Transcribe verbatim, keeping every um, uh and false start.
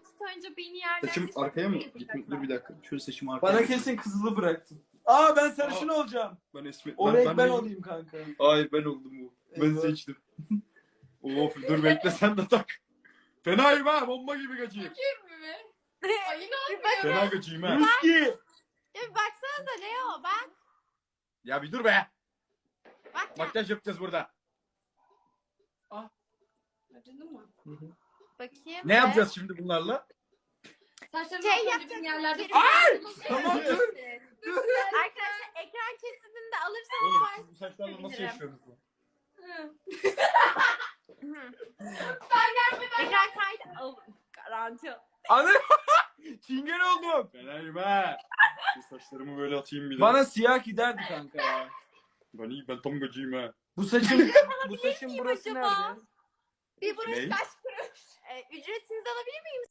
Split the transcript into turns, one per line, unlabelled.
önce beni yerden...
Saçım arkaya mı? Gitme, dur bir dakika. Şöyle saçımı arkaya.
Bana kesin kızılı bıraktın. Aa ben sarışın
Aa.
olacağım.
Ben esme...
O renk ben
neyim?
olayım kanka.
Hayır ben oldum bu. Ben
Evet.
seçtim. Of dur bekle sen de tak. Fenayım ha, bomba gibi kaçayım.
Kim mi? Ay
Bir
inanmıyorum.
bak-
Fena kaçayım ha.
Ruski.
Ya bir baksanıza Leo bak.
Ya bir dur be.
Bak ya.
Makyaj yapacağız burada.
Acıdı mı?
Bakayım.
Ne yapacağız şimdi bunlarla?
Saçlarımı
Şey
şey
yapacağız,
yerlerde...
geri-
Ay!
Tamam dur.
Arkadaşlar ekran kesimini de alırsanız
Oğlum
var.
siz bu saçlarla nasıl
Bilirim.
yaşıyorsunuz?
Ekran kaydı al. Garanti.
Anne. Çingen oldum.
Fenayım ha. Bu saçlarımı böyle atayım bir de.
Bana siyah giderdi kanka ya.
Ben iyi, ben tam gacıyım ha.
Bu saçın bu saçın burası
acaba?
nerede?
Bir buruş
Ne?
kaç kuruş? Ee, ücretinizi alabilir miyim?